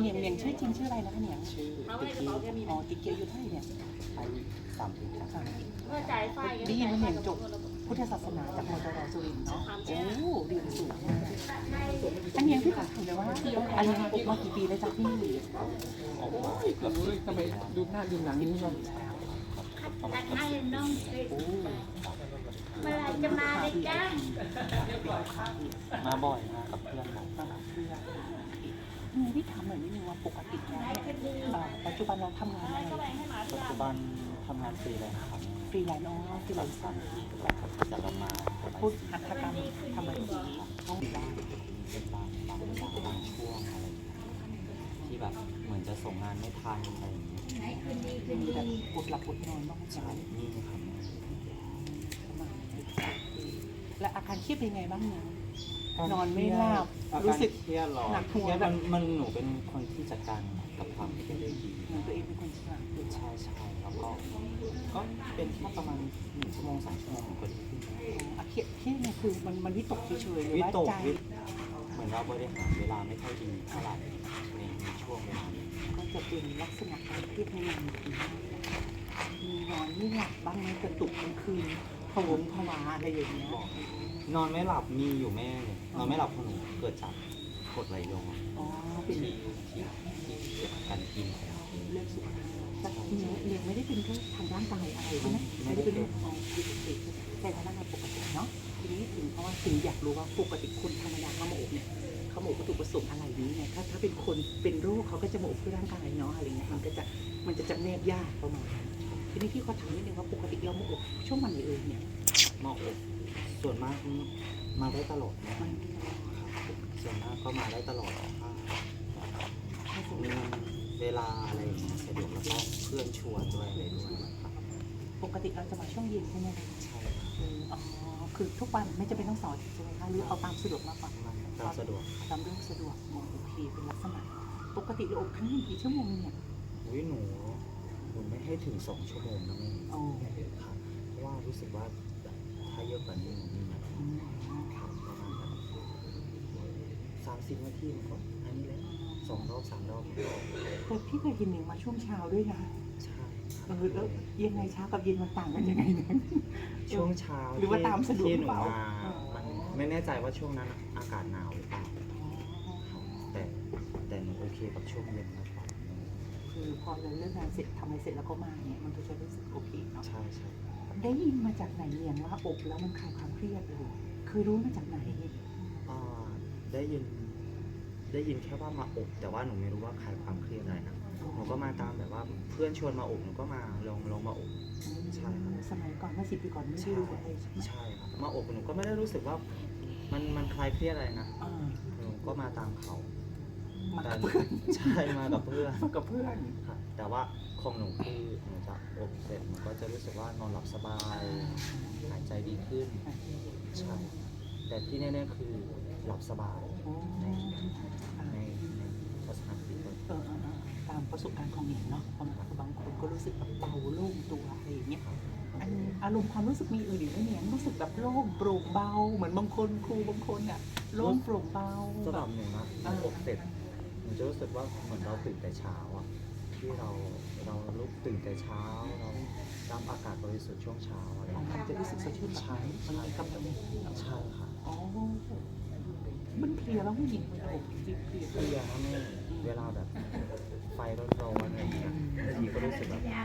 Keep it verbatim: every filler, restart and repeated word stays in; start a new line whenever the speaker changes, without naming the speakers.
นียงเนียงชื่อจริงชื่ออะไรนะคะเนียง
ชื่อติ๊กกี้
อ๋อติ๊กเกียวอยู่เท่าไหร่เนี่ย
อายุสามปีครับ
สามปี
เมื่อจ่ายไฟ
ได้ยินว่าเนียงจบพุทธศาสนาจากมอตรสุรินทร์เนาะโอ้เรียนสูงมากอันเนียงพี่ขอถามเลยว่าอันเนียงปลูกมากี่ปีแล้วจ๊ะพี่
ออกมา
เกือบรู้ทำไมดูหน้าดูหลังนี้ชม
รักให้น้องสิ
โอ้
เมื่อไรจะมาเลยจ้า
มาบ่อยมากับเพื่อนผม
มาเพื่อนนี่พี่ถามหน่อยนิดนึงว่าปกติแล้วเนี่ยปัจจุบันเราทำงานอะไร
ปัจจุบันทำงานฟรีเลยนะครับ
ฟรีแลนซ์เนาะฟรีแลนซ์
จะลงมา
พูดหัตถกรรมทำอะไรดีห้อง
บ้างเป็นบางบางบางบางช่วงอะไรที่แบบเหมือนจะส่งงานไม่ทันอะไรอย่างเงี้ย
มีแบบอดหลับอดนอนบ้างไหม
ใช่นี่ครับ
และอาการเครียดเป็นไงบ้างเนี่ยนอนไม่หลับ
อา
รู้
การ
สึก
เครียดหรอ
หนักหัว
เครียด
แบบ
มันมันหนูเป็นคนที่จัดการกับความเครียดได้ดี
เหมือนตัวเองเป็นคนฉลาด
ใช่ใช่แล้วก็ก็เป็นแค่ประมาณหนึ่งชั่วโมงสองชั่วโมงผมก็ดีขึ้น
อาเครียดเครียดเนี่ยคือมันมันวิตกเฉยๆหรือ
วิ
ว่า
ตก
ใจ
วิเหมือนเราบริหารเวลาไม่ค่อยดีเท่าไหร่ในในช่วงเวลานี้
ก็จะเป็นลักษณะการเครียดในวันนี้มีนอนไม่หลับบ้างไหมกระตุกกลางคืนผวงผวาอะไรอย่างเงี้ย
นอนไม่หลับมีอยู่แม่เลยนอนไม่หลับของหนูเกิดจากกรดไหลย้อน
อ๋อเป็น
ที่ที่ที่เกี่ยวกับการกินของเรา
เรื่องสุขภาพแต่ทีนี้เรียนไม่ได้เป็นแค่ทางร่างกายอะไรใช่ไหมไม่ได้เป็นเรื่องของปกติแต่ทางร่างกายปกติเนาะทีนี้ถึงเพราะว่าถึงอยากรู้ว่าปกติคนธรรมดาเขามาอบเนี่ยเขามาอบวัตถุประสงค์อะไรนี้ไงถ้าถ้าเป็นคนเป็นโรคเขาก็จะมาอบเพื่อร่างกายเนาะอะไรเงี้ยมันก็จะมันจะจำแนกยากประมาณนั้นทีนี้พี่ขอถามนิดนึงว่าปกติเรามาอบช่วงวันไหนเอ่ยเนี่ย
หม้ออบส่วนมากมาได้ตลอดนะ
มัน
ครับส่วนมากก็มาได้ตลอดถ้า
ถ้าสมม
มี
ติ
เวลาอะไรอย่างเงี้ยสะดวกแล้วก็เพื่อนชวนด้วยอะไรด้วยครับ
ปกติเราจะมาช่วงเย็นใช่ไหมคะ
ใช่
เอออ๋อคือทุกวันไม่จำเป็นต้องเสาร์อาทิตย์ใช่ไหมคะหรือเอาตามสะดวกมากกว่า
มันตามสะดวก
ตามเรื่องสะดวกมองโอเคเป็นลักษณะปกติเราอบครั้งหนึ่งกี่ชั่วโมงเนี่ย
อุ้ยหนูหนูไม่ให้ถึงสองชั่วโมงนะแม่
โอ้
ครับเพราะว่ารู้สึกว่าแบบถ้าเยอะกว่านี้หนูไม่ไหว
อืม
ครับประมาณแบบสามสิบนาทีมันก็อันนี้แหละสองรอบสามรอบมันก็
แต่พี่เคยเห็นหนึ่งมาช่วงเช้าด้วยนะ
ใช่
เออแล้วยังไงเช้ากับเย็นมันต่างกันยังไงเนี่ย
ช่วงเช้า
หรือว่าตามสะดวก
ที่
ห
ห
รือ
นู
เปล่า
มามันไม่แน่ใจว่าช่วงนั้นอากาศหนาวหรือเปล่าครับแต่แต่หนูโอเคกับช่วงเย็นมากกว่า
คือพอเราเลิกงานเสร็จทำอะไรเสร็จแล้วก็มาเนี่ยมันก็จะรู้สึกโอเคเนาะ
ใช่ใช่
ได้ยินมาจากไหนเนี่ยว่าอบแล้วมันคลายความเครียดเลยเคยรู้มาจากไหน
อ่าได้ยินได้ยินแค่ว่ามาอบแต่ว่าหนูไม่รู้ว่าคลายความเครียดอะไรนะหนูก็มาตามแบบว่าเพื่อนชวนมาอบหนูก็มาลองลองมาอบ ใช่ครับ
สมัยก่อนเมื่อสิบปีก่อนไม่ได้รู้อะไรใช่ไหม
ใช่ครับมาอบหนูก็ไม่ได้รู้สึกว่ามันมันคลายเครียดอะไรนะ
อ่า
หนูก็มาตามเขา
มา
แต่
กับเพื่อน
ใช่มากับเพื่อน
มากับเพื่อน
ครับแต่ว่าของหนูคือหนูจะอบเสร็จหนูก็จะรู้สึกว่านอนหลับสบายหายใจดีขึ้นใช่แต่ที่แน่ๆคือหลับสบาย
โอ้
ในในในทัศนคติตัว
เออเออเออตามประสบการณ์ของหนิงเนาะบางบางคนก็รู้สึกแบบเบาโล่งตัวอะไรอย่างเงี้ยอันอารมณ์ความรู้สึกมีอื่นอีกไหมเนี่ยรู้สึกแบบโล่งโปร่งเบาเหมือนบางคนครูบางคนอ่ะโล่งโปร่งเบา
สำห
แบ
รับบ หนูนะหนูอบเสร็จหนูจะรู้สึกว่าเหมือนเราตื่นแต่เช้าอ่ะที่เราเราลุกตื่นแต่เช้าเรารับอากาศบริสุทธิ์ช่วงเช้าอะไรอย่าง
มั
เงี้
น
ย
จะรู้สึกสดชื่นแบบนั้นมันมีกำลัง
ใช่ค่ะ
อ๋อมันเพลียแล้วผู้หญิงมันอบเพลียเพลีย
เพื่อนะแม่เวลาแบบไฟร้อนๆอะไรอย่างเงี้ยบางทีก็รู้สึกแบบ